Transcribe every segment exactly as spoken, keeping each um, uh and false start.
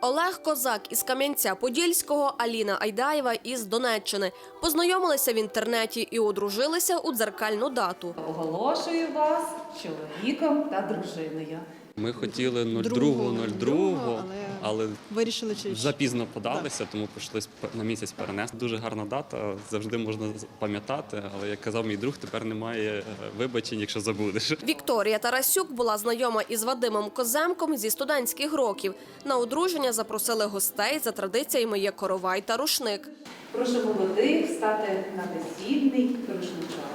Олег Козак із Кам'янця-Подільського, Аліна Айдаєва із Донеччини. Познайомилися в інтернеті і одружилися у дзеркальну дату. Оголошую вас чоловіком та дружиною. Ми хотіли нуль другого нуль другого, але вирішили через запізно подалися, тому прийшлось на місяць перенести. Дуже гарна дата, завжди можна пам'ятати, але, як казав мій друг, тепер немає вибачень, якщо забудеш. Вікторія Тарасюк була знайома із Вадимом Коземком зі студентських років. На одруження запросили гостей, за традиціями є коровай та рушник. Прошу молодих стати на весільний рушничок.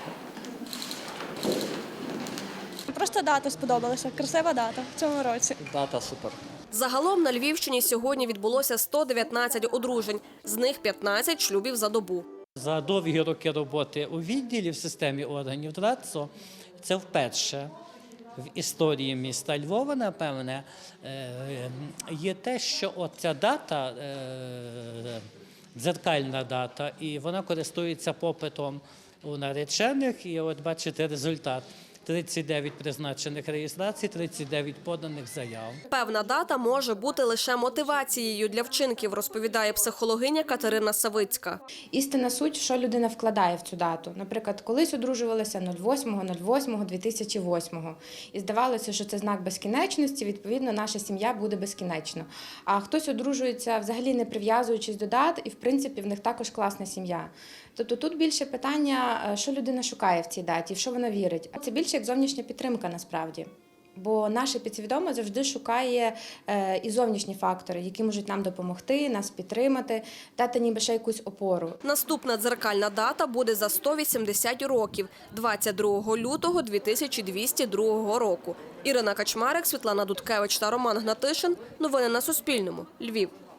Просто дата сподобалася. Красива дата в цьому році. Дата супер. Загалом на Львівщині сьогодні відбулося сто дев'ятнадцять одружень, з них п'ятнадцять шлюбів за добу. За довгі роки роботи у відділі в системі органів ДРАЦО це вперше в історії міста Львова, напевне, є те, що оця дата, дзеркальна дата, і вона користується попитом у наречених, і от бачите результат. тридцять дев'ять призначених реєстрацій, тридцять дев'ять поданих заяв. Певна дата може бути лише мотивацією для вчинків, розповідає психологиня Катерина Савицька. Істинна суть, що людина вкладає в цю дату. Наприклад, колись одружувалися восьмого восьмого дві тисячі восьмого. І здавалося, що це знак безкінечності, відповідно, наша сім'я буде безкінечно. А хтось одружується взагалі не прив'язуючись до дат, і, в принципі, в них також класна сім'я. Тобто тут більше питання, що людина шукає в цій даті, в що вона вірить. А це більше як зовнішня підтримка насправді. Бо наше підсвідоме завжди шукає е, і зовнішні фактори, які можуть нам допомогти, нас підтримати, дати ніби ще якусь опору. Наступна дзеркальна дата буде за сто вісімдесят років – двадцять другого лютого дві тисячі двісті другого року. Ірина Качмарик, Світлана Дудкевич та Роман Гнатишин. Новини на Суспільному. Львів.